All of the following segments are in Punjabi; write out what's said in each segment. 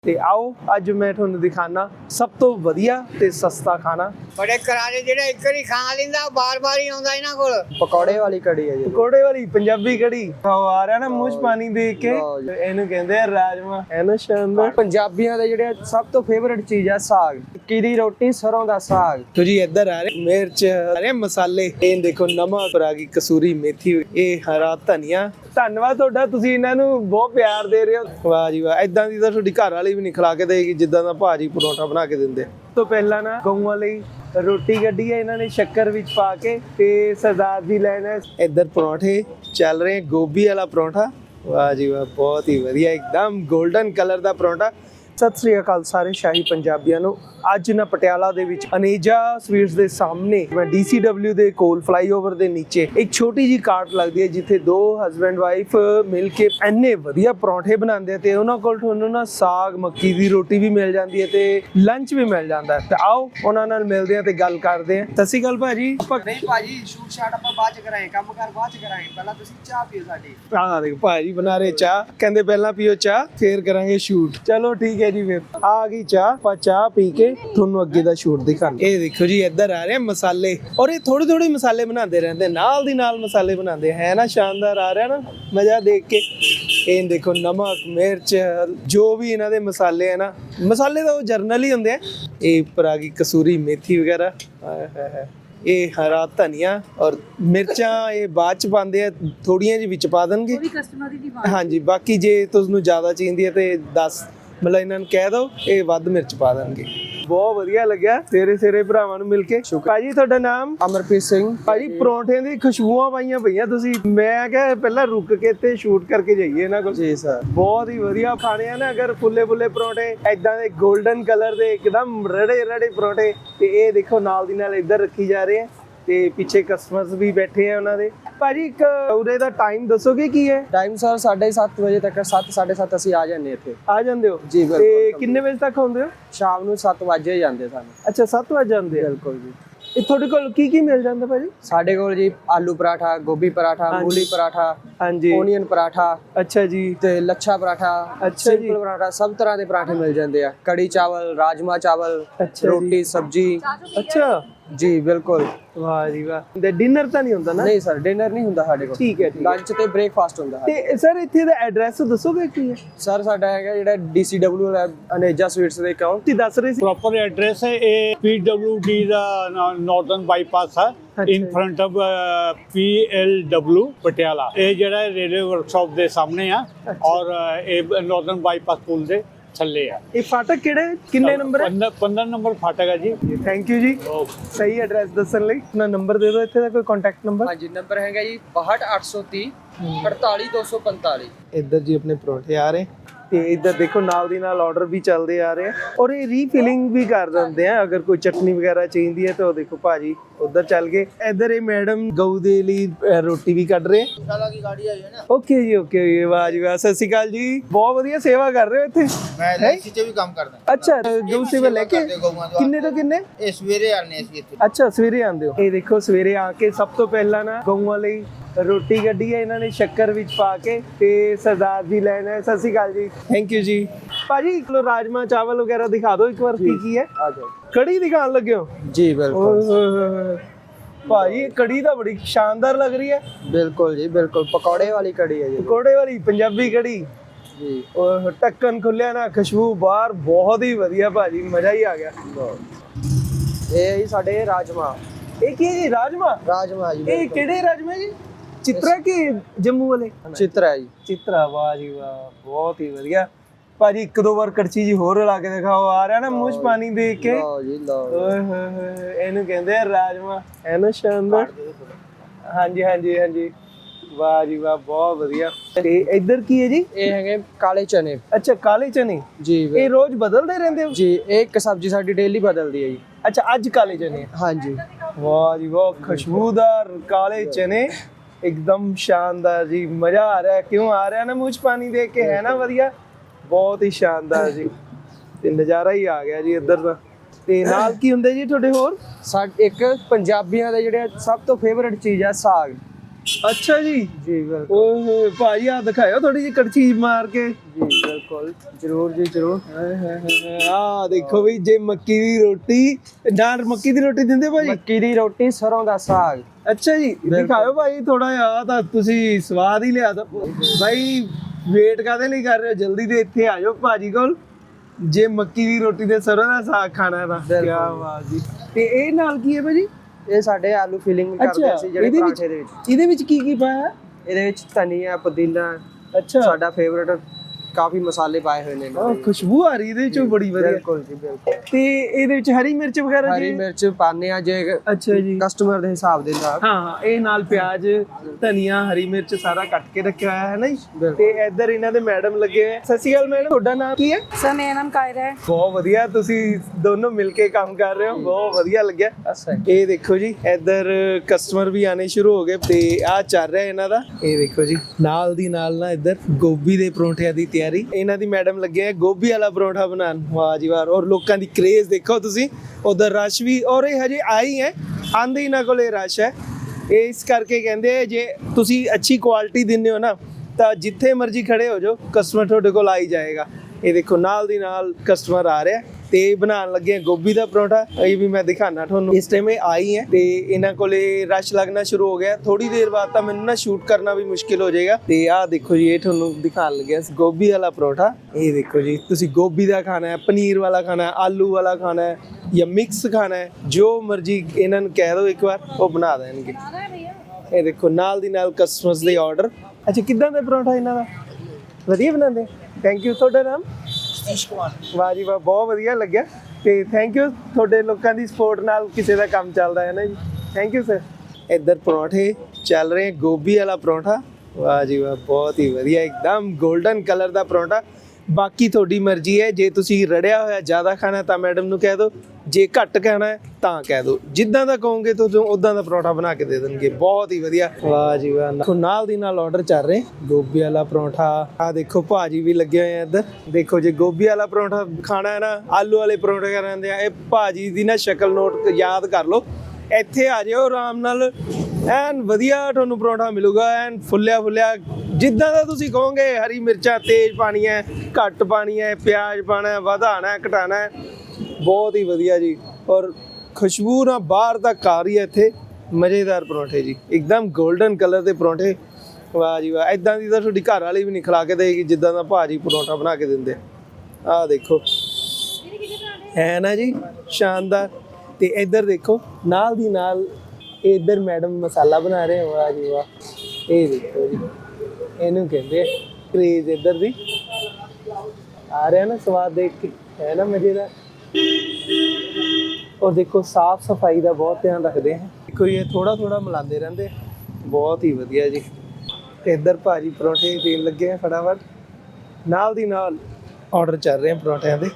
ਤੇ ਆਓ ਅੱਜ ਮੈਂ ਤੁਹਾਨੂੰ ਦਿਖਾਣਾ ਸਭ ਤੋਂ ਵਧੀਆ ਤੇ ਸਸਤਾ ਖਾਣਾ। बड़े करारे जेड़ा एक बारी खा लिंदा बार-बार ही आउंदा इना कोल। पकौड़े वाली कड़ी है जी। ਪਕੌੜੇ ਵਾਲੀ ਪੰਜਾਬੀ ਕੜੀ ਆ ਰਿਹਾ ਨਾ ਮੂੰਹ 'ਚ ਪਾਣੀ ਦੇਖ ਕੇ। ਇਹਨੂੰ ਕਹਿੰਦੇ ਆ ਰਾਜਮਾ, ਹੈ ਨਾ ਸ਼ਾਨਦਾਰ। ਪੰਜਾਬੀਆਂ ਦਾ ਜਿਹੜੇ ਸਭ ਤੋਂ ਫੇਵਰਿਟ ਚੀਜ਼ ਹੈ ਸਾਗ, ਮੱਕੀ ਦੀ ਰੋਟੀ, ਸਰੋਂ ਦਾ ਸਾਗ। तो जी इधर आ रहे मिर्च आ रहे मसाले, ये देखो नमक, पर आ गई कसूरी मेथी, ये हरा धनिया। ਧੰਨਵਾਦ ਤੁਹਾਡਾ, ਤੁਸੀਂ ਇਹਨਾਂ ਨੂੰ ਬਹੁਤ ਪਿਆਰ ਦੇ ਰਹੇ ਹੋ। ਵਾਹ ਜੀ ਵਾਹ, ਇਦਾਂ ਦੀ ਤਾਂ ਤੁਹਾਡੀ ਘਰ ਵਾਲੀ ਵੀ ਨਹੀਂ ਖਿਲਾ ਕੇ ਦੇਗੀ ਜਿੱਦਾਂ ਦਾ ਭਾਜੀ ਪਰੌਂਠਾ ਬਣਾ ਕੇ ਦਿੰਦੇ। ਤੋਂ ਪਹਿਲਾਂ ਨਾ ਗਊਆਂ ਲਈ ਰੋਟੀ ਕੱਢੀ ਹੈ ਇਹਨਾਂ ਨੇ ਸ਼ੱਕਰ ਵਿੱਚ ਪਾ ਕੇ, ਤੇ ਸਰਦਾਰ ਜੀ ਲੈਣਾ ਇੱਧਰ ਪਰੌਂਠੇ ਚੱਲ ਰਹੇ, ਗੋਭੀ ਵਾਲਾ ਪਰੌਂਠਾ। ਵਾਹ ਜੀ ਵਾਹ, ਬਹੁਤ ਹੀ ਵਧੀਆ, ਇੱਕਦਮ 골ਡਨ ਕਲਰ ਦਾ ਪਰੌਂਠਾ। ਸਤਿ ਸ੍ਰੀ ਅਕਾਲ ਸਾਰੇ ਸ਼ਾਹੀ ਪੰਜਾਬੀਆਂ ਨੂੰ। ਅੱਜ ਨਾ ਪਟਿਆਲਾ ਦੇ ਵਿੱਚ ਅਨੇਜਾ ਸਵੀਟਸ ਦੇ ਸਾਹਮਣੇ, ਮੈਂ DCW ਦੇ ਕੋਲ ਫਲਾਈਓਵਰ ਦੇ ਨੀਚੇ ਇੱਕ ਛੋਟੀ ਜੀ ਕਾਰਟ ਲੱਗਦੀ ਹੈ ਜਿੱਥੇ ਦੋ ਹਸਬੈਂਡ ਵਾਈਫ ਮਿਲ ਕੇ ਇੰਨੇ ਵਧੀਆ ਪਰੌਂਠੇ ਬਣਾਉਂਦੇ ਆ, ਤੇ ਉਹਨਾਂ ਕੋਲ ਤੁਹਾਨੂੰ ਨਾ ਸਾਗ, ਮੱਕੀ ਦੀ ਰੋਟੀ ਵੀ ਮਿਲ ਜਾਂਦੀ ਹੈ ਤੇ ਲੰਚ ਵੀ ਮਿਲ ਜਾਂਦਾ ਹੈ। ਤੇ ਆਓ ਉਹਨਾਂ ਨਾਲ ਮਿਲਦੇ ਆ ਤੇ ਗੱਲ ਕਰਦੇ ਆ। ਸਤਿ ਸ੍ਰੀ ਅਕਾਲ ਭਾਜੀ। ਨਹੀਂ ਭਾਜੀ, ਸ਼ੂਟ ਸ਼ਾਟ ਆਪਾਂ ਬਾਅਦ ਚ ਕਰਾਂਗੇ, ਕੰਮ ਕਰ ਬਾਅਦ ਚ ਕਰਾਂਗੇ, ਪਹਿਲਾਂ ਤੁਸੀਂ ਚਾਹ ਪੀਓ ਸਾਡੀ। ਆਹ ਦੇਖੋ ਭਾਜੀ ਬਣਾ ਰਹੇ ਚਾਹ, ਕਹਿੰਦੇ ਪਹਿਲਾਂ ਪੀਓ ਚਾਹ ਫੇਰ ਕਰਾਂਗੇ ਸ਼ੂਟ। ਚਲੋ ਠੀਕ ਹੈ ਜੀ, ਫਿਰ ਆ ਗਈ ਚਾਹ, ਆਪਾਂ ਚਾਹ ਪੀ ਕੇ ਤੁਹਾਨੂੰ ਅੱਗੇ ਦਾ ਸ਼ੂਟ ਦਿਖਾਉਂਦੇ। ਇਹ ਦੇਖੋ ਜੀ ਇੱਧਰ ਆ ਰਹੇ ਮਸਾਲੇ, ਔਰ ਇਹ ਥੋੜੇ ਥੋੜੇ ਮਸਾਲੇ ਬਣਾਉਂਦੇ ਰਹਿੰਦੇ, ਨਾਲ ਦੀ ਨਾਲ ਮਸਾਲੇ ਬਣਾਉਂਦੇ ਹੈ ਨਾ। ਸ਼ਾਨਦਾਰ ਆ ਰਿਹਾ ਨਾ ਮਜ਼ਾ ਦੇਖ ਕੇ। ਇਹ ਦੇਖੋ ਨਮਕ, ਮਿਰਚ, ਜੋ ਵੀ ਇਹਨਾਂ ਦੇ ਮਸਾਲੇ ਹੈ ਨਾ, ਮਸਾਲੇ ਤਾਂ ਉਹ ਜਰਨਲ ਹੀ ਹੁੰਦੇ ਆ। ਇਹ ਉੱਪਰ ਆ ਗਈ ਕਸੂਰੀ ਮੇਥੀ ਵਗੈਰਾ, ਇਹ ਹਰਾ ਧਨੀਆ ਔਰ ਮਿਰਚਾਂ ਇਹ ਬਾਅਦ ਚ ਪਾਉਂਦੇ ਆ, ਥੋੜੀਆਂ ਜਿਹੀ ਵਿੱਚ ਪਾ ਦੇਣਗੇ। ਹਾਂਜੀ, ਬਾਕੀ ਜੇ ਤੁਹਾਨੂੰ ਜ਼ਿਆਦਾ ਚਾਹੀਦੀ ਹੈ ਤੇ 10 ਮਤਲਬ ਇਹਨਾਂ ਨੂੰ ਕਹਿ ਦਿਓ, ਇਹ ਵੱਧ ਮਿਰਚ ਪਾ ਦੇਣਗੇ। ਬਹੁਤ ਵਧੀਆ ਲੱਗਿਆ ਤੇਰੇ ਸਿਰੇ ਭਰਾਵਾਂ ਨੂੰ ਮਿਲ ਕੇ। ਭਾਜੀ ਤੁਹਾਡਾ ਨਾਮ? ਅਮਰਪ੍ਰੀਤ ਸਿੰਘ। ਭਾਜੀ ਪਰੌਂਠਿਆਂ ਦੀ ਖੁਸ਼ਬੂਆਂ ਪਾਈਆਂ ਪਈਆਂ ਤੁਸੀਂ, ਮੈਂ ਕਿਹਾ ਪਹਿਲਾਂ ਰੁਕ ਕੇ ਤੇ ਸ਼ੂਟ ਕਰਕੇ ਜਾਈਏ ਇਹਨਾਂ ਕੋਲ। ਜੀ ਸਰ। ਬਹੁਤ ਹੀ ਵਧੀਆ ਖਾਣੇ ਆ ਨਾ, ਅਗਰ ਫੁੱਲੇ ਫੁੱਲੇ ਪਰੌਂਠੇ ਏਦਾਂ ਦੇ 골ਡਨ ਕਲਰ ਦੇ ਇੱਕਦਮ ਰੜੇ ਰੜੇ ਪਰੌਂਠੇ। ਤੇ ਇਹ ਦੇਖੋ ਨਾਲ ਦੀ ਨਾਲ ਇੱਧਰ ਰੱਖੀ ਜਾ ਰਹੇ ਆ, ਤੇ ਪਿੱਛੇ ਕਸਟਮਰਸ ਵੀ ਬੈਠੇ ਆ ਉਹਨਾਂ ਦੇ। ਭਾਜੀ ਇੱਕ ਉਰੇ ਦਾ ਟਾਈਮ ਦੱਸੋਗੇ ਕੀ ਹੈ? ਟਾਈਮ ਸਰ 7:30 ਵਜੇ ਤੱਕ, 7, 7:30 ਅਸੀਂ ਆ ਜਾਂਦੇ ਇੱਥੇ। ਆ ਜਾਂਦੇ ਹੋ ਜੀ ਬਿਲਕੁਲ। ਤੇ ਕਿੰਨੇ ਵਜੇ ਤੱਕ ਆਉਂਦੇ ਹੋ? ਸ਼ਾਮ ਨੂੰ 7 ਵਜੇ ਜਾਂਦੇ ਸਾਨੂੰ। ਅੱਛਾ 7 ਵਜੇ ਜਾਂਦੇ ਆ। ਬਿਲਕੁਲ ਜੀ। ਇਹ ਤੁਹਾਡੇ ਕੋਲ ਕੀ ਕੀ ਮਿਲ ਜਾਂਦਾ ਭਾਜੀ? ਸਾਡੇ ਕੋਲ ਜੀ ਆਲੂ ਪਰਾਠਾ, ਗੋਭੀ ਪਰਾਠਾ, ਮੂਲੀ ਪਰਾਠਾ, ਹਾਂਜੀ, ਓਨੀਅਨ ਪਰਾਠਾ, ਅੱਛਾ ਜੀ, ਤੇ ਲੱਛਾ ਪਰਾਠਾ, ਅੱਛਾ ਜੀ, ਸਿੰਪਲ ਪਰਾਠਾ, ਸਭ ਤਰ੍ਹਾਂ ਦੇ ਪਰਾਠੇ ਮਿਲ ਜਾਂਦੇ ਆ। ਕੜੀ ਚਾਵਲ, ਰਾਜਮਾ ਚਾਵਲ, ਅੱਛਾ ਰੋਟੀ ਸਬਜੀ। ਅੱਛਾ ਜੀ ਬਿਲਕੁਲ। ਵਾਹ ਜੀ ਵਾਹ। ਤੇ ਡਿਨਰ ਤਾਂ ਨਹੀਂ ਹੁੰਦਾ ਨਾ? ਨਹੀਂ ਸਰ, ਡਿਨਰ ਨਹੀਂ ਹੁੰਦਾ ਸਾਡੇ ਕੋਲ। ਠੀਕ ਹੈ, ਠੀਕ ਹੈ। ਲੰਚ ਤੇ ਬ੍ਰੇਕਫਾਸਟ ਹੁੰਦਾ ਹੈ। ਤੇ ਸਰ ਇੱਥੇ ਦਾ ਐਡਰੈਸ ਦੱਸੋਗੇ ਕੀ ਹੈ? ਸਰ ਸਾਡਾ ਹੈਗਾ ਜਿਹੜਾ DCW ਅਨੇਜਾ ਸਵੀਟਸ ਦੇ ਅਕਾਊਂਟ। ਤੁਸੀਂ ਦੱਸ ਰਹੇ ਸੀ प्रॉपर एड्रेस है ये PWD ਦਾ ਨਾਰਥਰਨ ਬਾਈਪਾਸ ਹੈ, in front of PLW Patiala. ਇਹ ਜਿਹੜਾ ਰੇਲਵੇ ਵਰਕਸ਼ਾਪ ਦੇ ਸਾਹਮਣੇ ਆ, ਔਰ ਇਹ ਨਾਰਥਰਨ ਬਾਈਪਾਸ ਪੁਲ ਦੇ ਥੱਲੇ ਆ। ਇਹ ਫਾਟਕ ਕਿਹੜੇ ਕਿੰਨੇ ਨੰਬਰ ਹੈ? 15 ਨੰਬਰ ਫਾਟਕ ਹੈ ਜੀ। ਥੈਂਕ ਯੂ ਜੀ, ਸਹੀ ਐਡਰੈਸ ਦੱਸਣ ਲਈ। ਆਪਣਾ ਨੰਬਰ ਦੇ ਦਿਓ, ਇੱਥੇ ਦਾ ਕੋਈ ਕੰਟੈਕਟ ਨੰਬਰ। ਹਾਂਜੀ, ਨੰਬਰ ਹੈਗਾ ਜੀ 62830 48245। ਇੱਧਰ ਜੀ ਆਪਣੇ ਪਰੌਂਠੇ ਆ ਰਹੇ, ਤੇ ਇੱਧਰ ਦੇਖੋ ਨਾਲ ਦੀ ਨਾਲ ਆਰਡਰ ਵੀ ਚੱਲਦੇ ਆ ਰਹੇ ਆ, ਔਰ ਇਹ ਰੀਫਿਲਿੰਗ ਵੀ ਕਰ ਦਿੰਦੇ ਆ। ਅਗਰ ਕੋਈ ਚਟਨੀ ਵਗੈਰਾ ਚਾਹੀਦੀ ਹੈ ਤਾਂ ਉਹ ਦੇਖੋ ਭਾਜੀ ਉਧਰ ਚੱਲ ਗਏ। ਇੱਧਰ ਇਹ ਮੈਡਮ ਗਊ ਦੇ ਲਈ ਰੋਟੀ ਵੀ ਕੱਢ ਰਹੇ। ਦੀ ਗਾੜੀ ਆਈ ਹੈ ਨਾ। ਓਕੇ ਜੀ, ਓਕੇ। ਵਾਹ ਜੀ ਵਾਹ, ਸਤਿ ਸ਼੍ਰੀ ਅਕਾਲ ਜੀ। ਬਹੁਤ ਵਧੀਆ ਸੇਵਾ ਕਰ ਰਹੇ ਹੋ ਇੱਥੇ। ਮੈਂ ਲੈਕਸੀ ਚ ਵੀ ਕੰਮ ਕਰਦਾ। ਅੱਛਾ, ਗਊ ਸੇਵਾ ਲੈ ਕੇ ਕਿੰਨੇ ਤੋਂ ਕਿੰਨੇ? ਇਹ ਸਵੇਰੇ ਆਨੇ ਅਸੀਂ ਇੱਥੇ। ਅੱਛਾ ਸਵੇਰੇ ਆਉਂਦੇ ਹੋ। ਇਹ ਦੇਖੋ ਸਵੇਰੇ ਆ ਕੇ ਸਭ ਤੋਂ ਪਹਿਲਾਂ ਨਾ ਗਊਆਂ ਲਈ ਰੋਟੀ ਕੱਢੀ ਹੈ ਇਹਨਾਂ ਨੇ ਸ਼ੱਕਰ ਵਿੱਚ ਪਾ ਕੇ, ਤੇ ਸਰਦਾਰ ਜੀ ਲੈਣਾ। ਸਤਿ ਸ਼੍ਰੀ ਅਕਾਲ ਜੀ। ਥੈਂਕ ਯੂ ਜੀ। ਭਾਜੀ ਕਿਲੋ ਰਾਜਮਾ ਚਾਵਲ ਵਗੈਰਾ ਦਿਖਾ ਦਿਓ ਇੱਕ ਵਾਰ, ਕੀ ਹੈ? ਆ ਜਾਓ। ਕੜੀ ਦਿਖਾਣ ਲੱਗੇ ਹੋ? ਜੀ ਬਿਲਕੁਲ। ਭਾਜੀ ਇਹ ਕੜੀ ਤਾਂ ਬੜੀ ਸ਼ਾਨਦਾਰ ਲੱਗ ਰਹੀ ਹੈ। ਬਿਲਕੁਲ ਜੀ ਬਿਲकुल, ਪਕੌੜੇ ਵਾਲੀ ਕੜੀ ਹੈ ਜੀ। ਪਕੌੜੇ ਵਾਲੀ ਪੰਜਾਬੀ ਕੜੀ। ਜੀ। ਉਹ ਢੱਕਣ ਖੁੱਲਿਆ ਨਾ, ਖੁਸ਼ਬੂ ਬਾਹਰ, ਬਹੁਤ ਹੀ ਵਧੀਆ ਭਾਜੀ, ਮਜ਼ਾ ਹੀ ਆ ਗਿਆ। ਇਹ ਹੈ ਜੀ ਸਾਡੇ ਰਾਜਮਾ। ਇਹ ਕੀ ਹੈ ਜੀ? ਰਾਜਮਾ? ਰਾਜਮਾ ਜੀ। ਇਹ ਕਿਹੜੇ ਰਾਜਮਾ ਜੀ? ਚਿਤਰਾ ਕਿ ਜੰਮੂ ਵਾਲੇ? ਚਿਤਰਾ ਹੈ ਜੀ। ਚਿਤਰਾ। ਵਾਹ ਜੀ ਵਾਹ, ਬਹੁਤ ਹੀ ਵਧੀਆ ਭਾਜੀ। ਇੱਕ ਦੋ ਵਾਰ ਕੜਛੀ ਜੀ ਹੋਰ ਲਾ ਕੇ ਦਿਖਾਓ, ਆ ਰਿਹਾ ਨਾ ਮੂੰਹ 'ਚ ਪਾਣੀ ਦੇਖ ਕੇ। ਲਓ ਜੀ ਲਓ। ਓਏ ਹੋਏ ਹੋਏ, ਇਹਨੂੰ ਕਹਿੰਦੇ ਆ ਰਾਜਮਾ, ਹੈ ਨਾ ਸ਼ਾਨਦਾਰ। ਹਾਂਜੀ ਹਾਂਜੀ ਹਾਂਜੀ, ਵਾਹ ਜੀ ਵਾਹ, ਬਹੁਤ ਵਧੀਆ। ਤੇ ਇੱਧਰ ਕੀ ਹੈ ਜੀ? ਇਹ ਹੈਗੇ ਕਾਲੇ ਚਨੇ। ਅੱਛਾ ਕਾਲੇ ਚਨੇ। ਜੀ ਇਹ ਰੋਜ਼ ਬਦਲਦੇ ਰਹਿੰਦੇ ਹੋ? ਜੀ, ਇੱਕ ਸਬਜ਼ੀ ਸਾਡੀ ਡੇਲੀ ਬਦਲਦੀ ਹੈ ਜੀ। ਅੱਛਾ ਅੱਜ ਕਾਲੇ ਚਨੇ। ਹਾਂਜੀ। ਵਾਹ ਜੀ ਵਾਹ, ਖੁਸ਼ਬੂਦਾਰ ਕਾਲੇ ਚਨੇ, ਇੱਕਦਮ ਸ਼ਾਨਦਾਰ ਜੀ। ਮਜ਼ਾ ਆ ਰਿਹਾ, ਕਿਉਂ ਆ ਰਿਹਾ ਨਾ ਮੂੰਹ 'ਚ ਪਾਣੀ ਦੇਖ ਕੇ, ਹੈ ਨਾ ਵਧੀਆ, ਬਹੁਤ ਹੀ ਸ਼ਾਨਦਾਰ ਜੀ। ਤੇ ਨਜ਼ਾਰਾ ਹੀ ਆ ਗਿਆ ਜੀ ਇੱਧਰ ਦਾ। ਤੇ ਨਾਲ ਕੀ ਹੁੰਦੇ ਜੀ ਤੁਹਾਡੇ ਹੋਰ? ਇੱਕ ਪੰਜਾਬੀਆਂ ਦਾ ਜਿਹੜੇ ਸਭ ਤੋਂ ਫੇਵਰਿਟ ਚੀਜ਼ ਹੈ ਸਾਗ। ਅੱਛਾ ਜੀ ਜੀ ਬਿਲਕੁਲ ਓਏ ਹੋਏ ਭਾਜੀ ਆ ਦਿਖਾਇਓ ਥੋੜੀ ਜਿਹੀ ਕੜਛੀ ਮਾਰ ਕੇ ਜੀ ਬਿਲਕੁਲ ਜ਼ਰੂਰ ਜੀ ਜ਼ਰੂਰ। ਆ ਦੇਖੋ ਵੀ ਜੇ ਮੱਕੀ ਦੀ ਰੋਟੀ ਨਾਲ ਮੱਕੀ ਦੀ ਰੋਟੀ ਦਿੰਦੇ ਭਾਜੀ। ਮੱਕੀ ਦੀ ਰੋਟੀ ਸਰੋਂ ਦਾ ਸਾਗ। ਅੱਛਾ ਜੀ ਦਿਖਾਓ ਭਾਈ ਥੋੜਾ ਜਿਹਾ ਤਾਂ ਤੁਸੀਂ ਸਵਾਦ ਹੀ ਲਿਆ ਤਾਂ ਭਾਈ ਵੇਟ ਕਾਹਦੇ ਲਈ ਕਰ ਰਹੇ ਹੋ ਜਲਦੀ ਤੇ ਇੱਥੇ ਆ ਜਾਓ ਭਾਜੀ ਕੋਲ ਜੇ ਮੱਕੀ ਦੀ ਰੋਟੀ ਤੇ ਸਰੋਂ ਦਾ ਸਾਗ ਖਾਣਾ ਤਾਂ ਕੀ ਬਾਤ ਜੀ। ਤੇ ਇਹ ਨਾਲ ਕੀ ਹੈ ਭਾਜੀ? ਇਹ ਸਾਡੇ ਆਲੂ ਫਿਲਿੰਗ ਕਰਦੇ ਸੀ ਜਿਹੜੇ ਪਰਾਂਠੇ ਦੇ ਵਿੱਚ। ਇਹਦੇ ਵਿੱਚ ਕੀ ਪਾਇਆ? ਇਹਦੇ ਵਿੱਚ ਧਨੀਆ ਪੁਦੀਨਾ ਅੱਛਾ ਸਾਡਾ ਫੇਵਰਟ ਕਾਫੀ ਮਸਾਲੇ ਪਾਏ ਹੋਏ ਨੇ ਖੁਸ਼ਬੂ ਆ ਰਹੀ ਇਹਦੇ ਵਿੱਚੋਂ ਬੜੀ ਵਧੀਆ। ਬਿਲਕੁਲ ਜੀ ਬਿਲਕੁਲ। ਤੇ ਇਹਦੇ ਵਿੱਚ ਹਰੀ ਮਿਰਚ ਵਗੈਰਾ ਹਰੀ ਮਿਰਚ ਪਾਉਂਦੇ ਆ ਜੇ ਅੱਛਾ ਜੀ ਕਸਟਮਰ ਦੇ ਹਿਸਾਬ ਦੇ ਨਾਲ। ਹਾਂ ਇਹ ਨਾਲ ਪਿਆਜ਼ ਧਨੀਆ ਹਰੀ ਮਿਰਚ ਸਾਰਾ ਕੱਟ ਕੇ ਰੱਖਿਆ ਹੋਇਆ ਹੈ ਨਾ ਜੀ। ਤੇ ਇੱਧਰ ਇਹਨਾਂ ਦੇ ਮੈਡਮ ਲੱਗੇ ਹੋਏ। ਸਤਿ ਸ਼੍ਰੀ ਅਕਾਲ ਮੈਡਮ ਤੁਹਾਡਾ ਨਾਮ ਕੀ ਹੈ? ਸਰ ਮੇਰਾ ਨਾਮ ਕਾਇਰਾ ਹੈ। ਬਹੁਤ ਵਧੀਆ ਤੁਸੀਂ ਦੋਨੋਂ ਮਿਲ ਕੇ ਕੰਮ ਕਰ ਰਹੇ ਹੋ ਬਹੁਤ ਵਧੀਆ ਲੱਗਿਆ। ਇਹ ਦੇਖੋ ਜੀ ਇੱਧਰ ਕਸਟਮਰ ਵੀ ਆਣੇ ਸ਼ੁਰੂ ਹੋ ਗਏ ਤੇ ਆ ਚੱਲ ਰਿਹਾ ਇਹਨਾਂ ਦਾ। ਇਹ ਦੇਖੋ ਜੀ ਨਾਲ ਦੀ ਨਾਲ ਨਾ ਇੱਧਰ ਗੋਭੀ ਦੇ ਪਰੌਂਠਿਆਂ ਦੀ ਤਿਆਰੀ ਇਹਨਾਂ ਦੀ ਮੈਡਮ ਲੱਗੇ ਆ ਗੋਭੀ ਵਾਲਾ ਪਰੌਂਠਾ ਬਣਾਉਣ। ਵਾਹ ਜੀ ਵਾਹ। ਔਰ ਲੋਕਾਂ ਦੀ ਕ੍ਰੇਜ਼ ਦੇਖੋ ਤੁਸੀਂ ਉਧਰ ਰਸ਼ ਵੀ ਔਰ ਇਹ ਹਜੇ ਆਈ ਹੈ ਆਂਦੇ ਇਹਨਾਂ ਕੋਲ ਇਹ ਰਸ਼ ਹੈ। ਇਹ ਇਸ ਕਰਕੇ ਕਹਿੰਦੇ ਜੇ ਤੁਸੀਂ ਅੱਛੀ ਕੁਆਲਿਟੀ ਦਿੰਦੇ ਹੋ ਨਾ ਤਾਂ ਜਿੱਥੇ ਮਰਜ਼ੀ ਖੜੇ ਹੋ ਜਾਓ ਕਸਟਮਰ ਤੁਹਾਡੇ ਕੋਲ ਆ ਹੀ ਜਾਏਗਾ। ਇਹ ਦੇਖੋ ਨਾਲ ਦੀ ਨਾਲ ਕਸਟਮਰ ਆ ਰਿਹਾ ਤੇ ਬਣਾਉਣ ਲੱਗੇ ਗੋਭੀ ਦਾ ਪਰੌਂਠਾ। ਇਹ ਵੀ ਮੈਂ ਦਿਖਾਣਾ ਤੁਹਾਨੂੰ। ਇਸ ਟਾਈਮ ਇਹ ਆਈ ਹੈ ਤੇ ਇਹਨਾਂ ਕੋਲੇ ਰਸ਼ ਲੱਗਣਾ ਸ਼ੁਰੂ ਹੋ ਗਿਆ। ਥੋੜੀ ਦੇਰ ਬਾਅਦ ਤਾਂ ਮੈਨੂੰ ਨਾ ਸ਼ੂਟ ਕਰਨਾ ਵੀ ਮੁਸ਼ਕਿਲ ਹੋ ਜਾਏਗਾ। ਤੇ ਆਹ ਦੇਖੋ ਜੀ ਇਹ ਤੁਹਾਨੂੰ ਦਿਖਾਣ ਲੱਗਿਆ ਗੋਭੀ ਵਾਲਾ ਪਰੌਂਠਾ। ਇਹ ਦੇਖੋ ਜੀ ਤੁਸੀਂ ਗੋਭੀ ਦਾ ਖਾਣਾ ਹੈ ਪਨੀਰ ਵਾਲਾ ਖਾਣਾ ਹੈ ਆਲੂ ਵਾਲਾ ਖਾਣਾ ਹੈ ਜਾਂ ਮਿਕਸ ਖਾਣਾ ਹੈ ਜੋ ਮਰਜ਼ੀ ਇਹਨਾਂ ਨੂੰ ਕਹਿ ਦਿਓ ਇੱਕ ਵਾਰ ਉਹ ਬਣਾ ਦੇਣਗੇ। ਇਹ ਦੇਖੋ ਨਾਲ ਦੀ ਨਾਲ ਕਸਟਮਰਸ ਦੇ ਆਰਡਰ। ਅੱਛਾ ਕਿੱਦਾਂ ਦਾ ਪਰੌਂਠਾ ਇਹਨਾਂ ਦਾ? ਵਧੀਆ ਬਣਾਉਂਦੇ। Thank you. ਤੁਹਾਡਾ ਨਾਮ? ਸਤੀਸ਼ ਕੁਮਾਰ। ਵਾਹ ਜੀ ਵਾਹ ਬਹੁਤ ਵਧੀਆ ਲੱਗਿਆ ਤੇ ਥੈਂਕ ਯੂ ਤੁਹਾਡੇ ਲੋਕਾਂ ਦੀ ਸਪੋਰਟ ਨਾਲ ਕਿਸੇ ਦਾ ਕੰਮ ਚੱਲਦਾ ਹੈ ਨਾ ਜੀ। Thank you sir. ਇੱਧਰ ਪਰੌਂਠੇ ਚੱਲ ਰਹੇ ਗੋਭੀ ਵਾਲਾ ਪਰੌਂਠਾ। ਵਾਹ ਜੀ ਵਾਹ ਬਹੁਤ ਹੀ ਵਧੀਆ ਇੱਕਦਮ 골ਡਨ ਕਲਰ ਦਾ ਪਰੌਂਠਾ। ਬਾਕੀ ਤੁਹਾਡੀ ਮਰਜ਼ੀ ਹੈ ਜੇ ਤੁਸੀਂ ਰੜਿਆ ਹੋਇਆ ਜ਼ਿਆਦਾ ਖਾਣਾ ਤਾਂ ਮੈਡਮ ਨੂੰ ਕਹਿ ਦਿਓ ਜੇ ਘੱਟ ਖਾਣਾ ਹੈ ਤਾਂ ਕਹਿ ਦਿਓ ਜਿੱਦਾਂ ਦਾ ਕਹੋਗੇ ਤੁਹਾਨੂੰ ਉਦਾਂ ਦਾ ਪਰੌਂਠਾ ਬਣਾ ਕੇ ਦੇ ਦੇਣਗੇ। ਬਹੁਤ ਹੀ ਵਧੀਆ। ਵਾਹ ਜੀ ਵਾਹ। ਨਾਲ ਦੀ ਨਾਲ ਆਰਡਰ ਚੱਲ ਰਹੇ ਗੋਭੀ ਵਾਲਾ ਪਰੌਂਠਾ। ਆ ਦੇਖੋ ਭਾਜੀ ਵੀ ਲੱਗੇ ਹੋਏ ਆ ਇੱਧਰ। ਦੇਖੋ ਜੇ ਗੋਭੀ ਵਾਲਾ ਪਰੌਂਠਾ ਖਾਣਾ ਹੈ ਨਾ ਆਲੂ ਵਾਲੇ ਪਰੌਂਠੇ ਖਾਂਦੇ ਆ ਇਹ ਭਾਜੀ ਦੀ ਨਾ ਸ਼ਕਲ ਨੋਟ ਯਾਦ ਕਰ ਲਓ। ਇੱਥੇ ਆ ਜਾਓ ਆਰਾਮ ਨਾਲ ਐਨ ਵਧੀਆ ਤੁਹਾਨੂੰ ਪਰੌਂਠਾ ਮਿਲੂਗਾ ਐਨ ਫੁੱਲਿਆ ਫੁੱਲਿਆ ਜਿੱਦਾਂ ਦਾ ਤੁਸੀਂ ਕਹੋਗੇ। ਹਰੀ ਮਿਰਚਾਂ ਤੇਜ਼ ਪਾਣੀਆਂ ਘੱਟ ਪਾਣੀਆਂ ਪਿਆਜ਼ ਪਾਣਾ ਵਧਾਣਾ ਘਟਾਣਾ ਬਹੁਤ ਹੀ ਵਧੀਆ ਜੀ। ਔਰ ਖੁਸ਼ਬੂ ਨਾ ਬਾਹਰ ਤੱਕ ਆ ਰਹੀ ਹੈ ਇੱਥੇ। ਮਜ਼ੇਦਾਰ ਪਰੌਂਠੇ ਜੀ ਇੱਕਦਮ 골ਡਨ ਕਲਰ ਦੇ ਪਰੌਂਠੇ। ਵਾਹ ਜੀ ਵਾਹ। ਇਦਾਂ ਦੀ ਤਾਂ ਤੁਹਾਡੀ ਘਰ ਵਾਲੀ ਵੀ ਨਹੀਂ ਖਿਲਾ ਕੇ ਦੇਗੀ ਜਿੱਦਾਂ ਦਾ ਭਾਜੀ ਪਰੌਂਠਾ ਬਣਾ ਕੇ ਦਿੰਦੇ। ਆਹ ਦੇਖੋ ਹੈ ਨਾ ਜੀ ਸ਼ਾਨਦਾਰ। ਤੇ ਇੱਧਰ ਦੇਖੋ ਨਾਲ ਦੀ ਨਾਲ ਇੱਧਰ ਮੈਡਮ ਮਸਾਲਾ ਬਣਾ ਰਹੇ। ਵਾਹ ਜੀ ਵਾਹ। ਇਹ ਦੇਖੋ ਜੀ ਇਹਨੂੰ ਕਹਿੰਦੇ ਕ੍ਰੇਜ਼ ਇੱਧਰ ਦੀ ਆ ਰਿਹਾ ਨਾ ਸਵਾਦ ਦੇਖ ਕੇ ਹੈ ਨਾ ਮਜ਼ੇਦਾਰ। ਔਰ ਦੇਖੋ ਸਾਫ ਸਫਾਈ ਦਾ ਬਹੁਤ ਧਿਆਨ ਰੱਖਦੇ ਹਨ। ਦੇਖੋ ਇਹ ਥੋੜਾ ਥੋੜਾ ਮਿਲਾਉਂਦੇ ਰਹਿੰਦੇ ਬਹੁਤ ਹੀ ਵਧੀਆ ਜੀ। ਤੇ ਇੱਧਰ ਭਾਜੀ ਪਰੌਂਠੇ ਦੇਣ ਲੱਗੇ ਆ ਫਟਾਫਟ। ਨਾਲ ਦੀ ਨਾਲ ਆਰਡਰ ਚੱਲ ਰਹੇ ਆ ਪਰੌਂਠਿਆਂ ਦੇ।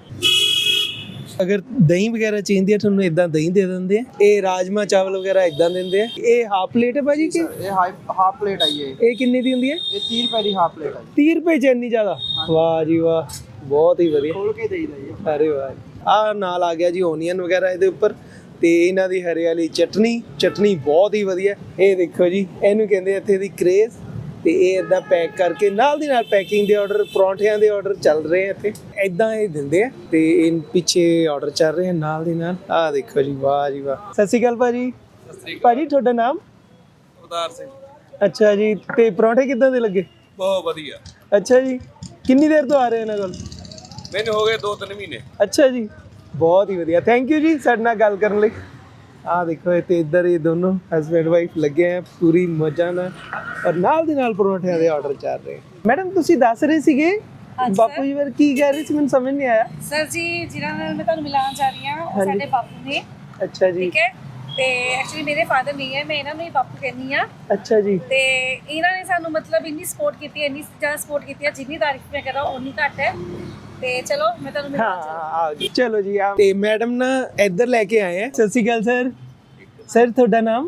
ਅਗਰ ਦਹੀਂ ਵਗੈਰਾ ਚਾਹੀਦੀ ਹੈ ਤੁਹਾਨੂੰ ਇਦਾਂ ਦਹੀਂ ਦੇ ਦਿੰਦੇ ਆ। ਇਹ ਰਾਜਮਾ ਚਾਵਲ ਵਗੈਰਾ ਇਦਾਂ ਦਿੰਦੇ ਆ। ਇਹ ਹਾਫ ਪਲੇਟ ਹੈ ਭਾਜੀ ਕਿ ਇਹ ਹਾਫ ਪਲੇਟ ਆਈ ਹੈ। ਇਹ ਕਿੰਨੇ ਦੀ ਹੁੰਦੀ ਹੈ? ਇਹ 30 ਰੁਪਏ ਦੀ ਹਾਫ ਪਲੇਟ ਹੈ। 30 ਰੁਪਏ ਚ ਇੰਨੀ ਜ਼ਿਆਦਾ? ਵਾਹ ਜੀ ਵਾਹ ਬਹੁਤ ਹੀ ਵਧੀਆ। ਖੋਲ ਕੇ ਦੇਈਦਾ ਜੀ। ਅਰੇ ਵਾਹ। ਆ ਨਾਲ ਆ ਗਿਆ ਜੀ ਓਨੀਅਨ ਵਗੈਰਾ ਇਹਦੇ ਉੱਪਰ ਤੇ ਇਹਨਾਂ ਦੀ ਹਰੇ ਵਾਲੀ ਚਟਨੀ ਬਹੁਤ ਹੀ ਵਧੀਆ। ਇਹ ਦੇਖੋ ਜੀ ਇਹਨੂੰ ਕਹਿੰਦੇ ਇੱਥੇ ਦੀ ਕ੍ਰੇਜ਼। ਤੇ ਇਹ ਇਦਾਂ ਪੈਕ ਕਰਕੇ ਨਾਲ ਦੀ ਨਾਲ ਪੈਕਿੰਗ ਦੇ ਆਰਡਰ ਪਰੌਂਠਿਆਂ ਦੇ ਆਰਡਰ ਚੱਲ ਰਹੇ ਆ ਇੱਥੇ ਇਦਾਂ ਇਹ ਦਿੰਦੇ ਆ। ਤੇ ਇਹ ਪਿੱਛੇ ਆਰਡਰ ਚੱਲ ਰਹੇ ਆ ਨਾਲ ਦੀ ਨਾਲ। ਆਹ ਦੇਖੋ ਜੀ ਵਾਹ ਜੀ ਵਾਹ। ਸਤਿ ਸ਼੍ਰੀ ਅਕਾਲ ਭਾਜੀ। ਭਾਜੀ ਤੁਹਾਡਾ ਨਾਮ? ਅਵਤਾਰ ਸਿੰਘ। ਅੱਛਾ ਜੀ ਤੇ ਪਰੌਂਠੇ ਕਿੱਦਾਂ ਦੇ ਲੱਗੇ? ਬਹੁਤ ਵਧੀਆ। ਅੱਛਾ ਜੀ ਕਿੰਨੀ ਦੇਰ ਤੋਂ ਆ ਰਹੇ ਇਹਨਾਂ ਕੋਲ? ਮੈਨੂੰ ਹੋ ਗਏ 2-3 ਮਹੀਨੇ। ਅੱਛਾ ਜੀ ਬਹੁਤ ਹੀ ਵਧੀਆ। ਥੈਂਕ ਯੂ ਜੀ ਸਾਡੇ ਨਾਲ ਗੱਲ ਕਰਨ ਲਈ। ਆਹ ਦੇਖੋ ਤੇ ਇੱਧਰ ਇਹ ਦੋਨੋਂ ਹਸਬੈਂਡ ਵਾਈਫ ਲੱਗੇ ਆ ਪੂਰੀ ਮੌਜਾਂ ਨਾਲ ਔਰ ਨਾਲ ਦੀ ਨਾਲ ਪਰੌਂਠਿਆਂ ਦੇ ਆਰਡਰ ਚੱਲ ਰਹੇ। ਮੈਡਮ ਤੁਸੀਂ ਦੱਸ ਰਹੇ ਸੀਗੇ ਬਾਪੂ ਜੀ ਬਾਰੇ ਕੀ ਕਹਿ ਰਹੇ ਸੀ ਮੈਨੂੰ ਸਮਝ ਨਹੀਂ ਆਇਆ। ਸਰ ਜੀ ਜਿਨ੍ਹਾਂ ਨਾਲ ਮੈਂ ਤੁਹਾਨੂੰ ਮਿਲਾਉਣ ਜਾ ਰਹੀ ਹਾਂ ਉਹ ਸਾਡੇ ਬਾਪੂ ਨੇ। ਅੱਛਾ ਜੀ ਠੀਕ ਹੈ। ਤੇ ਐਕਚੁਅਲੀ ਮੇਰੇ ਫਾਦਰ ਨਹੀਂ ਹੈ ਮੈਂ ਇਹਨਾਂ ਨੂੰ ਹੀ ਬਾਪੂ ਕਹਿੰਦੀ ਆ। ਅੱਛਾ ਜੀ। ਤੇ ਇਹਨਾਂ ਨੇ ਸਾਨੂੰ ਮਤਲਬ ਇੰਨੀ ਸਪੋਰਟ ਕੀਤੀ ਇੰਨੀ ਜ਼ਿਆਦਾ ਸਪੋਰਟ ਕੀਤੀ ਹੈ ਜਿੰਨੀ ਤਾਰੀਫ ਮੈਂ ਕਰਾਂ ਉਨੀ ਘੱਟ ਹੈ। ਤੇ ਚਲੋ ਮੈਂ ਤੁਹਾਨੂੰ ਹਾਂ ਚਲੋ ਜੀ ਆ ਤੇ ਮੈਡਮ ਨਾ ਇੱਧਰ ਲੈ ਕੇ ਆਏ ਆ। ਸਤਿ ਸ਼੍ਰੀ ਅਕਾਲ ਸਰ। ਸਰ ਤੁਹਾਡਾ ਨਾਮ?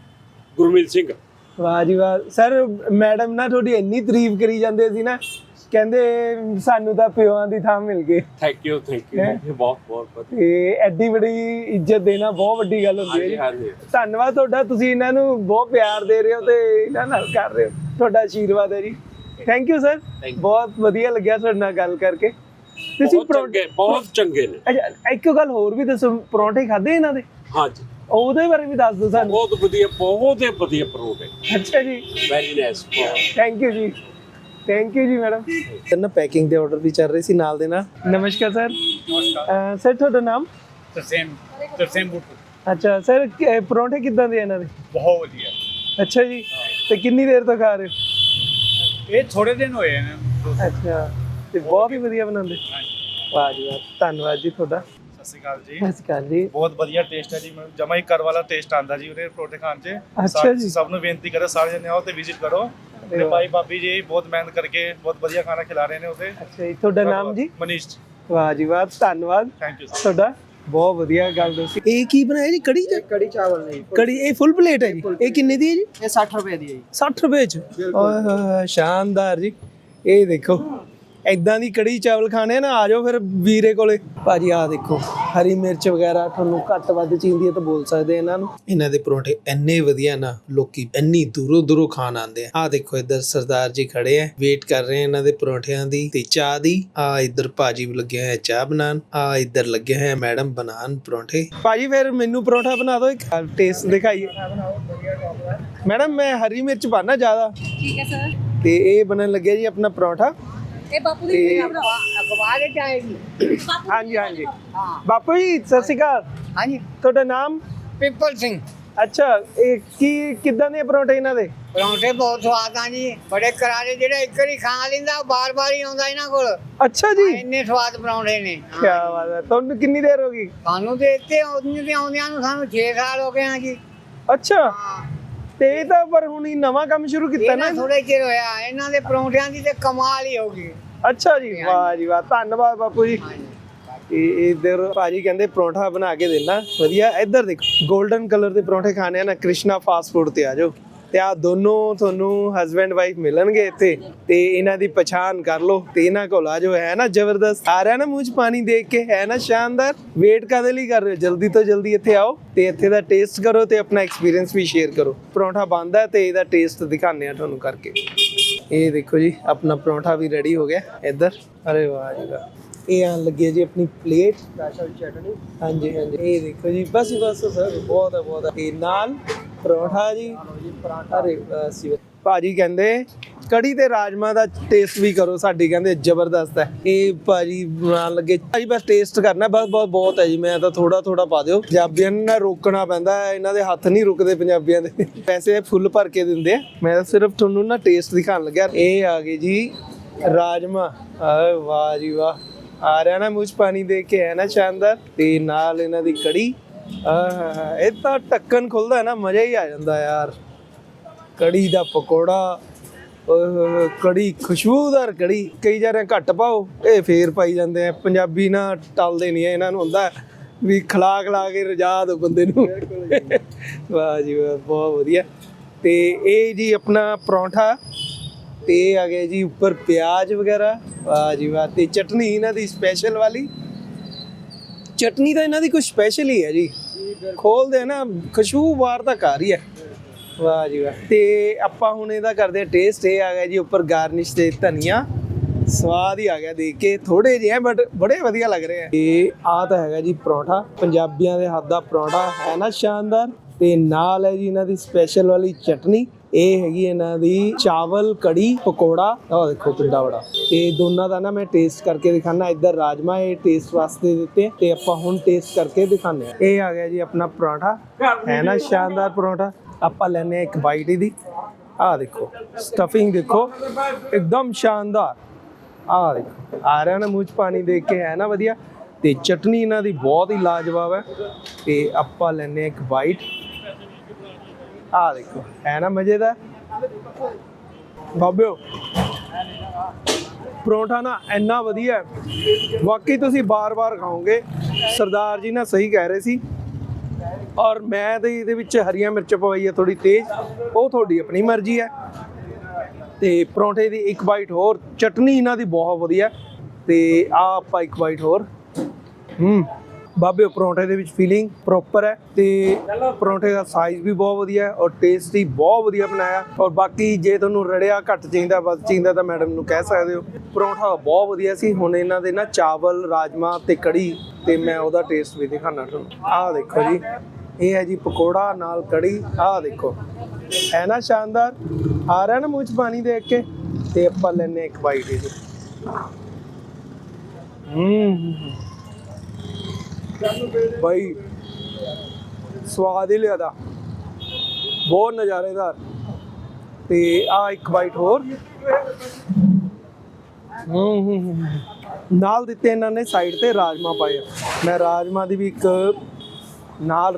ਗੁਰਮੀਤ ਸਿੰਘ। ਵਾਹ ਜੀ ਵਾਹ। ਸਰ ਮੈਡਮ ਨਾ ਤੁਹਾਡੀ ਇੰਨੀ ਤਾਰੀਫ ਕਰੀ ਜਾਂਦੇ ਸੀ ਨਾ ਕਹਿੰਦੇ ਸਾਨੂੰ ਤਾਂ ਪਿਓਾਂ ਦੀ ਥਾਂ ਮਿਲ ਗਈ ਥੈਂਕ ਯੂ ਬਹੁਤ ਬਹੁਤ ਤੇ ਐਡੀ ਬੜੀ ਇੱਜ਼ਤ ਦੇਣਾ ਬਹੁਤ ਵੱਡੀ ਗੱਲ ਹੁੰਦੀ ਹੈ ਜੀ। ਧੰਨਵਾਦ ਤੁਹਾਡਾ, ਤੁਸੀਂ ਇਹਨਾਂ ਨੂੰ ਬਹੁਤ ਪਿਆਰ ਦੇ ਰਹੇ ਹੋ ਤੇ ਇਹਨਾਂ ਨਾਲ ਕਰ ਰਹੇ ਹੋ, ਤੁਹਾਡਾ ਆਸ਼ੀਰਵਾਦ ਹੈ ਜੀ। ਥੈਂਕ ਯੂ ਸਰ, ਬਹੁਤ ਵਧੀਆ ਲੱਗਿਆ ਤੁਹਾਡੇ ਨਾਲ ਗੱਲ ਕਰਕੇ। ਤੁਸੀਂ ਬਹੁਤ ਚੰਗੇ ਨੇ। ਅੱਛਾ ਇੱਕ ਗੱਲ ਹੋਰ ਵੀ ਦੱਸੋ, ਪਰੌਂਠੇ ਖਾਦੇ ਇਹਨਾਂ ਦੇ? ਹਾਂਜੀ, ਉਹਦੇ ਬਾਰੇ ਵੀ ਦੱਸ ਦਿਓ ਸਾਨੂੰ। ਬਹੁਤ ਵਧੀਆ ਪਰੌਂਠੇ। ਅੱਛਾ ਜੀ, ਵੈਰੀ ਨਾਈਸ। ਥੈਂਕ ਯੂ ਜੀ, ਥੈਂਕ ਯੂ ਜੀ ਮੈਡਮ। ਨਾ ਪੈਕਿੰਗ ਦੇ ਆਰਡਰ ਵੀ ਚੱਲ ਰਹੇ ਸੀ ਨਾਲ ਦੇ ਨਾਲ। ਨਮਸਕਾਰ ਸਰ। ਨਮਸਕਾਰ ਸਰ, ਤੁਹਾਡਾ ਨਾਮ? ਤਰਸੇਮ ਬੁੱਟੂ। ਅੱਛਾ ਸਰ, ਪਰੌਂਠੇ ਕਿੱਦਾਂ ਦੇ ਇਹਨਾਂ ਦੇ? ਬਹੁਤ ਵਧੀਆ। ਅੱਛਾ ਜੀ, ਤੇ ਕਿੰਨੀ ਦੇਰ ਤੋਂ ਖਾ ਰਹੇ ਹੋ? ਇਹ ਥੋੜੇ ਦਿਨ ਹੋਏ ਨੇ। ਅੱਛਾ, ਤੇ ਬਹੁਤ ਹੀ ਵਧੀਆ ਬਣਾਉਂਦੇ। ਵਾਹ ਜੀ ਵਾਹ, ਧੰਨਵਾਦ ਜੀ ਤੁਹਾਡਾ। ਸਤਿ ਸ਼੍ਰੀ ਅਕਾਲ ਜੀ। ਸਤਿ ਸ਼੍ਰੀ ਅਕਾਲ ਜੀ। ਬਹੁਤ ਵਧੀਆ ਟੇਸਟ ਹੈ ਜੀ, ਜਮਾ ਹੀ ਘਰ ਵਾਲਾ ਟੇਸਟ ਆਂਦਾ ਜੀ ਉਹਦੇ ਪਰੌਂਠੇ ਖਾਣ 'ਚ। ਅੱਛਾ ਜੀ। ਸਭ ਨੂੰ ਬੇਨਤੀ ਕਰੇ ਸਾਰੇ ਜਣੇ ਆਓ ਤੇ ਵਿਜ਼ਿਟ ਕਰੋ। ਤੇ ਭਾਈ ਭਾਬੀ ਜੀ ਬਹੁਤ ਮਿਹਨਤ ਕਰਕੇ ਬਹੁਤ ਵਧੀਆ ਖਾਣਾ ਖਿਲਾ ਰਹੇ ਨੇ ਉਹਦੇ। ਅੱਛਾ ਜੀ, ਤੁਹਾਡਾ ਨਾਮ ਜੀ? ਮਨੀਸ਼। ਵਾਹ ਜੀ ਵਾਹ, ਧੰਨਵਾਦ ਥੈਂਕ ਯੂ ਤੁਹਾਡਾ, ਬਹੁਤ ਵਧੀਆ ਗੱਲ ਦੱਸੀ। ਇਹ ਕੀ ਬਣਾਇਆ ਜੀ? ਕੜੀ? ਕੜੀ ਚਾਵਲ ਨਹੀਂ, ਕੜੀ ਇਹ ਫੁੱਲ ਪਲੇਟ ਹੈ ਜੀ? ਇਹ ਕਿੰਨੇ ਦੀ ਹੈ ਜੀ? ਇਹ 60 ਰੁਪਏ ਦੀ ਹੈ ਜੀ। 60 ਰੁਪਏ ਚ? ਓਏ ਹੋਏ, ਸ਼ਾਨਦਾਰ ਜੀ। ਇਹ ਦੇਖੋ, ਐਦਾਂ ਦੀ ਕੜੀ ਚਾਵਲ ਖਾਣੇ ਨਾ, ਆ ਜਾਓ ਫਿਰ ਵੀਰੇ ਕੋਲੇ। ਭਾਜੀ ਆਹ ਦੇਖੋ, ਹਰੀ ਮਿਰਚ ਵਗੈਰਾ ਤੁਹਾਨੂੰ ਘੱਟ ਵੱਧ ਚਾਹੀਦੀ ਹੈ ਤਾਂ ਬੋਲ ਸਕਦੇ ਇਹਨਾਂ ਨੂੰ। ਇਹਨਾਂ ਦੇ ਪਰੌਂਠੇ ਇੰਨੇ ਵਧੀਆ ਨਾ, ਲੋਕੀ ਇੰਨੀ ਦੂਰੋਂ ਦੂਰੋਂ ਖਾਣ ਆਉਂਦੇ ਆ। ਆਹ ਦੇਖੋ ਇੱਧਰ ਸਰਦਾਰ ਜੀ ਖੜੇ ਆ, ਵੇਟ ਕਰ ਰਹੇ ਆ ਇਹਨਾਂ ਦੇ ਪਰੌਂਠਿਆਂ ਦੀ ਤੇ ਚਾਹ ਦੀ। ਆ ਇੱਧਰ ਭਾਜੀ ਲੱਗੇ ਹੋਏ ਚਾਹ ਬਣਾਉਣ, ਆ ਇੱਧਰ ਲੱਗੇ ਹੋਏ ਮੈਡਮ ਬਣਾਉਣ ਪਰੌਂਠੇ। ਭਾਜੀ ਫਿਰ ਮੈਨੂੰ ਪਰੌਂਠਾ ਬਣਾ ਦਿਓ, ਇੱਕ ਟੇਸਟ ਦਿਖਾਈਏ। ਮੈਡਮ ਮੈਂ ਹਰੀ ਮਿਰਚ ਪਾਣਾ ਜ਼ਿਆਦਾ। ਠੀਕ ਹੈ ਸਰ। ਤੇ ਇਹ ਬਣਨ ਲੱਗਿਆ ਜੀ ਆਪਣਾ ਪਰੌਂਠਾ। ਇਹ ਬਾਪੂ ਦੀ ਅਖਬਾਰ ਚ ਆਏਗੀ। ਹਾਂਜੀ ਹਾਂਜੀ, ਬਾਪੂ ਜੀ ਸਤਿ ਸ਼੍ਰੀ ਅਕਾਲ। ਹਾਂਜੀ, ਤੁਹਾਡਾ ਨਾਮ? ਪਿੱਪਲ ਸਿੰਘ। ਅੱਛਾ, ਇਹ ਕੀ ਕਿੱਦਾਂ ਦੇ ਪਰੌਂਠੇ ਇਹਨਾਂ ਦੇ? ਪਰੌਂਠੇ ਬਹੁਤ ਸਵਾਦ ਆ ਜੀ, ਬੜੇ ਕਰਾਰੇ। ਜਿਹੜਾ ਇੱਕ ਵਾਰੀ ਖਾ ਲੈਂਦਾ ਉਹ ਬਾਰ-ਬਾਰ ਹੀ ਆਉਂਦਾ ਇਹਨਾਂ ਕੋਲ। ਅੱਛਾ ਜੀ, ਇੰਨੇ ਸਵਾਦ ਪਰੌਂਠੇ ਨੇ। ਕੀ ਬਾਤ ਹੈ। ਤੁਹਾਨੂੰ ਕਿੰਨੀ ਦੇਰ ਹੋ ਗਈ? ਸਾਨੂੰ ਤੇ ਇੱਥੇ ਆਉਂਦਿਆਂ ਨੂੰ ਸਾਨੂੰ 6 ਸਾਲ ਹੋ ਗਏ ਆ ਜੀ। ਅੱਛਾ, ਤੇ ਇਹ ਤਾਂ ਪਰ ਹੁਣ ਹੀ ਨਵਾਂ ਕੰਮ ਸ਼ੁਰੂ ਕੀਤਾ ਨਾ? ਥੋੜੇ ਚਿਰ ਹੋਇਆ। ਇਹਨਾਂ ਦੇ ਪਰੌਂਠਿਆਂ ਦੀ ਤੇ ਕਮਾਲ ਹੀ ਹੋ ਗਈ। ਅੱਛਾ ਜੀ, ਵਾਹ ਜੀ ਵਾਹ, ਧੰਨਵਾਦ ਬਾਪੂ ਜੀ। ਇਧਰ ਭਾਜੀ ਕਹਿੰਦੇ ਪਰੌਂਠਾ ਬਣਾ ਕੇ ਦੇਣਾ ਵਧੀਆ। ਇੱਧਰ ਦੇਖੋ, 골ਡਨ ਕਲਰ ਦੇ ਪਰੌਂਠੇ ਖਾਣੇ ਆ ਨਾ, ਕ੍ਰਿਸ਼ਨਾ ਫਾਸਟ ਫੂਡ ਤੇ ਆ ਜਾਓ ਤੇ ਆ ਦੋਨੋਂ ਤੁਹਾਨੂੰ ਹਸਬੈਂਡ ਵਾਈਫ ਮਿਲਣਗੇ ਇੱਥੇ ਤੇ ਇਹਨਾਂ ਦੀ ਪਛਾਣ ਕਰ ਲਓ ਤੇ ਇਹਨਾਂ ਕੋਲ ਆ ਜਾਓ। ਹੈ ਨਾ ਜ਼ਬਰਦਸਤ? ਆ ਰਿਹਾ ਨਾ ਮੂੰਹ 'ਚ ਪਾਣੀ ਦੇਖ ਕੇ? ਹੈ ਨਾ ਸ਼ਾਨਦਾਰ? ਵੇਟ ਕਾਹਦੇ ਲਈ ਕਰ ਰਹੇ ਹੋ? ਜਲਦੀ ਤੋਂ ਜਲਦੀ ਇੱਥੇ ਆਓ ਤੇ ਇੱਥੇ ਦਾ ਟੇਸਟ ਕਰੋ ਤੇ ਆਪਣਾ ਐਕਸਪੀਰੀਅੰਸ ਵੀ ਸ਼ੇਅਰ ਕਰੋ। ਪਰੌਂਠਾ ਬਣਦਾ ਤੇ ਇਹਦਾ ਟੇਸਟ ਦਿਖਾਉਂਦੇ ਆ ਤੁਹਾਨੂੰ ਕਰਕੇ। ਇਹ ਦੇਖੋ ਜੀ, ਆਪਣਾ ਪਰੌਂਠਾ ਵੀ ਰੈਡੀ ਹੋ ਗਿਆ ਇੱਧਰ। ਅਰੇ ਵਾਹ ਜੀ ਵਾਹ, ਇਹ ਆਣ ਲੱਗੀ ਜੀ ਆਪਣੀ ਪਲੇਟ, ਸਪੈਸ਼ਲ ਚਟਨੀ। ਹਾਂਜੀ ਹਾਂਜੀ, ਇਹ ਦੇਖੋ ਜੀ, ਬਸ ਸਰ ਬਹੁਤ ਹੈ ਬਹੁਤ ਹੈ। ਇਹ ਨਾਲ ਪਰੌਂਠਾ ਜੀ। ਅਰੇ ਬਸ ਭਾਜੀ ਕਹਿੰਦੇ ਕੜੀ ਤੇ ਰਾਜਮਾ ਦਾ ਟੇਸਟ ਵੀ ਕਰੋ ਸਾਡੀ, ਕਹਿੰਦੇ ਜ਼ਬਰਦਸਤ ਹੈ। ਇਹ ਭਾਜੀ ਬਣਾਉਣ ਲੱਗੇ। ਭਾਜੀ ਬਸ ਟੇਸਟ ਕਰਨਾ, ਬਸ ਬਹੁਤ ਹੈ ਜੀ। ਮੈਂ ਤਾਂ ਥੋੜਾ ਪਾ ਦਿਓ, ਪੰਜਾਬੀਆਂ ਨੂੰ ਨਾ ਰੋਕਣਾ ਪੈਂਦਾ, ਇਹਨਾਂ ਦੇ ਹੱਥ ਨਹੀਂ ਰੁਕਦੇ ਪੰਜਾਬੀਆਂ ਦੇ। ਪੈਸੇ ਫੁੱਲ ਭਰ ਕੇ ਦਿੰਦੇ ਆ, ਮੈਂ ਸਿਰਫ ਤੁਹਾਨੂੰ ਨਾ ਟੇਸਟ ਦਿਖਾਉਣ ਲੱਗਿਆ। ਇਹ ਆ ਗਏ ਜੀ ਰਾਜਮਾ। ਵਾਹ ਜੀ ਵਾਹ, ਆ ਰਿਹਾ ਨਾ ਮੂੰਹ 'ਚ ਪਾਣੀ ਦੇਖ ਕੇ? ਹੈ ਨਾ ਸ਼ਾਨਦਾਰ? ਤੇ ਨਾਲ ਇਹਨਾਂ ਦੀ ਕੜੀ। ਇਹ ਤਾਂ ਢੱਕਣ ਖੁੱਲਦਾ ਨਾ, ਮਜ਼ਾ ਹੀ ਆ ਜਾਂਦਾ ਯਾਰ। ਕੜੀ ਦਾ ਪਕੌੜਾ, ਕੜੀ ਖੁਸ਼ਬੂਦਾਰ ਕੜੀ। ਕਈ ਜਾਰੇ ਘੱਟ ਪਾਓ, ਇਹ ਫੇਰ ਪਾਈ ਜਾਂਦੇ ਆ। ਪੰਜਾਬੀ ਨਾ ਟਲਦੇ ਨਹੀਂ, ਇਹਨਾਂ ਨੂੰ ਹੁੰਦਾ ਵੀ ਖਿਲਾ ਕੇ ਰਜਾ ਦੋ ਬੰਦੇ ਨੂੰ। ਵਾਹ ਜੀ ਵਾਹ, ਬਹੁਤ ਵਧੀਆ। ਤੇ ਇਹ ਜੀ ਆਪਣਾ ਪਰੌਂਠਾ ਤੇ ਆ ਗਏ ਜੀ ਉੱਪਰ ਪਿਆਜ਼ ਵਗੈਰਾ। ਵਾਹ ਜੀ ਵਾਹ, ਤੇ ਚਟਨੀ ਇਹਨਾਂ ਦੀ ਸਪੈਸ਼ਲ ਵਾਲੀ ਚਟਨੀ ਤਾਂ ਇਹਨਾਂ ਦੀ ਕੁਝ ਸਪੈਸ਼ਲ ਹੀ ਹੈ ਜੀ। ਖੋਲਦੇ ਨਾ, ਖੁਸ਼ਬੂ ਬਾਹਰ ਤੱਕ ਆ ਰਹੀ ਹੈ। ਵਾਹ ਜੀ ਵਾਹ। ਤੇ ਆਪਾਂ ਹੁਣ ਇਹਦਾ ਕਰਦੇ ਆ ਟੇਸਟ। ਇਹ ਆ ਗਿਆ ਜੀ ਉੱਪਰ ਗਾਰਨਿਸ਼ ਤੇ ਧਨੀਆ। ਸਵਾਦ ਹੀ ਆ ਗਿਆ ਦੇਖ ਕੇ। ਥੋੜੇ ਜਿਹੇ ਬਟ ਬੜੇ ਵਧੀਆ ਲੱਗ ਰਹੇ ਆ। ਇਹ ਆ ਤਾਂ ਹੈਗਾ ਜੀ ਪਰੌਂਠਾ, ਪੰਜਾਬੀਆਂ ਦੇ ਹੱਥ ਦਾ ਪਰੌਂਠਾ, ਹੈ ਨਾ ਸ਼ਾਨਦਾਰ? ਤੇ ਨਾਲ ਹੈ ਜੀ ਇਹਨਾਂ ਦੀ ਸਪੈਸ਼ਲ ਵਾਲੀ ਚਟਨੀ। ਇਹ ਹੈਗੀ ਇਹਨਾਂ ਦੀ ਚਾਵਲ ਕੜੀ ਪਕੌੜਾ। ਆਹ ਦੇਖੋ ਕਿੰਨਾ ਬੜਾ। ਤੇ ਦੋਨਾਂ ਦਾ ਨਾ ਮੈਂ ਟੇਸਟ ਕਰਕੇ ਦਿਖਾਣਾ। ਇੱਧਰ ਰਾਜਮਾ ਇਹ ਟੇਸਟ ਵਾਸਤੇ ਦਿੱਤੇ ਤੇ ਆਪਾਂ ਹੁਣ ਟੇਸਟ ਕਰਕੇ ਦਿਖਾਉਂਦੇ ਆ। ਇਹ ਆ ਗਿਆ ਜੀ ਆਪਣਾ ਪਰੌਂਠਾ, ਹੈ ਨਾ ਸ਼ਾਨਦਾਰ ਪਰੌਂਠਾ। ਆਪਾਂ ਲੈਨੇ ਆ ਇੱਕ ਬਾਈਟ ਇਹਦੀ। ਆਹ ਦੇਖੋ ਸਟਫਿੰਗ ਦੇਖੋ, ਇੱਕਦਮ ਸ਼ਾਨਦਾਰ। ਆਹ ਦੇਖੋ, ਆ ਰਿਹਾ ਨਾ ਮੂੰਹ 'ਚ ਪਾਣੀ ਦੇਖ ਕੇ? ਹੈ ਨਾ ਵਧੀਆ? ਤੇ ਚਟਨੀ ਇਹਨਾਂ ਦੀ ਬਹੁਤ ਹੀ ਲਾਜਵਾਬ ਹੈ। ਤੇ ਆਪਾਂ ਲੈਨੇ ਆ ਇੱਕ ਬਾਈਟ। ਆਹ ਦੇਖੋ, ਹੈ ਨਾ ਮਜ਼ੇਦਾਰ? ਬਾਬਿਓ ਪਰੌਂਠਾ ਨਾ ਇੰਨਾ ਵਧੀਆ, ਵਾਕਈ ਤੁਸੀਂ ਬਾਰ-ਬਾਰ ਖਾਓਗੇ। ਸਰਦਾਰ ਜੀ ਨਾ ਸਹੀ ਕਹਿ ਰਹੇ ਸੀ। ਔਰ ਮੈਂ ਤੇ ਇਹਦੇ ਵਿੱਚ ਹਰੀਆਂ ਮਿਰਚ ਪਵਾਈ ਹੈ ਥੋੜੀ ਤੇਜ਼, ਉਹ ਤੁਹਾਡੀ ਆਪਣੀ ਮਰਜ਼ੀ ਹੈ। ਤੇ ਪਰੌਂਠੇ ਦੀ ਇੱਕ ਬਾਈਟ ਹੋਰ, ਚਟਨੀ ਇਹਨਾਂ ਦੀ ਬਹੁਤ ਵਧੀਆ ਤੇ ਆ ਆਪਾਂ ਇੱਕ ਬਾਈਟ ਹੋਰ। ਬਾਬੇ ਪਰੌਂਠੇ ਦੇ ਵਿੱਚ ਫੀਲਿੰਗ ਪ੍ਰੋਪਰ ਹੈ ਤੇ ਪਰੌਂਠੇ ਦਾ ਸਾਈਜ਼ ਵੀ ਬਹੁਤ ਵਧੀਆ ਹੈ ਔਰ ਟੇਸਟ ਵੀ ਬਹੁਤ ਵਧੀਆ ਬਣਾਇਆ। ਔਰ ਬਾਕੀ ਜੇ ਤੁਹਾਨੂੰ ਰੜਿਆ ਘੱਟ ਚਾਹੀਦਾ ਵੱਧ ਚਾਹੀਦਾ ਤਾਂ ਮੈਡਮ ਨੂੰ ਕਹਿ ਸਕਦੇ ਹੋ। ਪਰੌਂਠਾ ਬਹੁਤ ਵਧੀਆ ਸੀ। ਹੁਣ ਇਹਨਾਂ ਦੇ ਨਾ ਚਾਵਲ, ਰਾਜਮਾ ਤੇ ਕੜੀ, ਤੇ ਮੈਂ ਉਹਦਾ ਟੇਸਟ ਵੀ ਦਿਖਾਣਾ ਤੁਹਾਨੂੰ। ਆਹ ਦੇਖੋ ਜੀ, ਇਹ ਹੈ ਜੀ ਪਕੌੜਾ ਨਾਲ ਕੜੀ। ਆਹ ਦੇਖੋ, ਹੈ ਨਾ ਸ਼ਾਨਦਾਰ, ਆ ਰਿਹਾ ਨਾ ਮੂੰਹ 'ਚ ਪਾਣੀ ਦੇਖ ਕੇ। ਤੇ ਆਪਾਂ ਲੈਨੇ ਇੱਕ ਬਾਈਟ ਇਹਦੀ। ਭਾਈ ਸਵਾਦ ਹੀ ਲਿਆਦਾ, ਬਹੁਤ ਨਜ਼ਾਰੇਦਾਰ। ਤੇ ਆ ਇੱਕ ਬਾਈਟ ਹੋਰ। ਨਾਲ ਦਿੱਤੇ ਇਹਨਾਂ ਨੇ ਸਾਈਡ ਤੇ ਰਾਜਮਾ ਪਾਏ। ਮੈਂ ਰਾਜਮਾ ਦੀ ਵੀ ਇੱਕ ਨਾਲ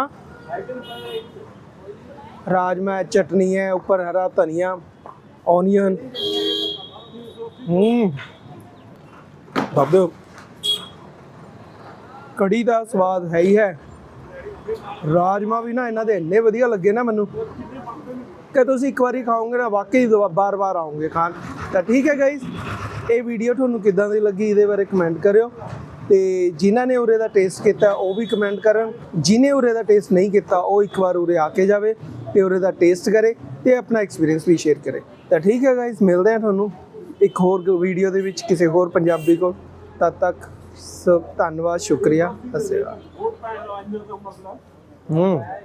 ਰਾਜਮਾ ਚਟਨੀ ਹੈ, ਉੱਪਰ ਹਰਾ ਧਨੀਆ, ऑनियन। ਬਾਬੇ ਕੜੀ ਦਾ ਸਵਾਦ ਹੈ ਹੀ ਹੈ। ਰਾਜਮਾ ਵੀ ਨਾ ਇਹਨਾਂ ਦੇ ਇੰਨੇ ਵਧੀਆ ਲੱਗੇ ਨਾ ਮੈਨੂੰ ਕਿ ਤੁਸੀਂ ਇੱਕ ਵਾਰੀ ਖਾਓਗੇ ਨਾ ਵਾਕਈ ਬਾਰ-ਬਾਰ ਆਓਗੇ ਖਾਣ। ਤਾਂ ਠੀਕ ਹੈ ਗਾਇਸ, ਇਹ ਵੀਡੀਓ ਤੁਹਾਨੂੰ ਕਿੱਦਾਂ ਦੀ ਲੱਗੀ ਇਹਦੇ ਬਾਰੇ ਕਮੈਂਟ ਕਰਿਓ। ਤੇ ਜਿਨ੍ਹਾਂ ਨੇ ਉਰੇ ਦਾ ਟੇਸਟ ਕੀਤਾ ਉਹ ਵੀ ਕਮੈਂਟ ਕਰਨ। ਜਿਹਨੇ ਉਰੇ ਦਾ ਟੇਸਟ ਨਹੀਂ ਕੀਤਾ ਉਹ ਇੱਕ ਵਾਰ ਉਰੇ ਆ ਕੇ ਜਾਵੇ ਤੇ ਉਰੇ ਦਾ ਟੇਸਟ ਕਰੇ ਤੇ ਆਪਣਾ ਐਕਸਪੀਰੀਅੰਸ ਵੀ ਸ਼ੇਅਰ ਕਰੇ। ਤਾਂ ਠੀਕ ਹੈ ਗਾਇਸ, ਮਿਲਦੇ ਹਾਂ ਤੁਹਾਨੂੰ ਇੱਕ ਹੋਰ ਵੀਡੀਓ ਦੇ ਵਿੱਚ ਕਿਸੇ ਹੋਰ ਪੰਜਾਬੀ ਕੋਲ। ਤਦ ਤੱਕ ਸਭ ਧੰਨਵਾਦ, ਸ਼ੁਕਰੀਆ, ਸਤਿ ਸ਼੍ਰੀ ਅਕਾਲ।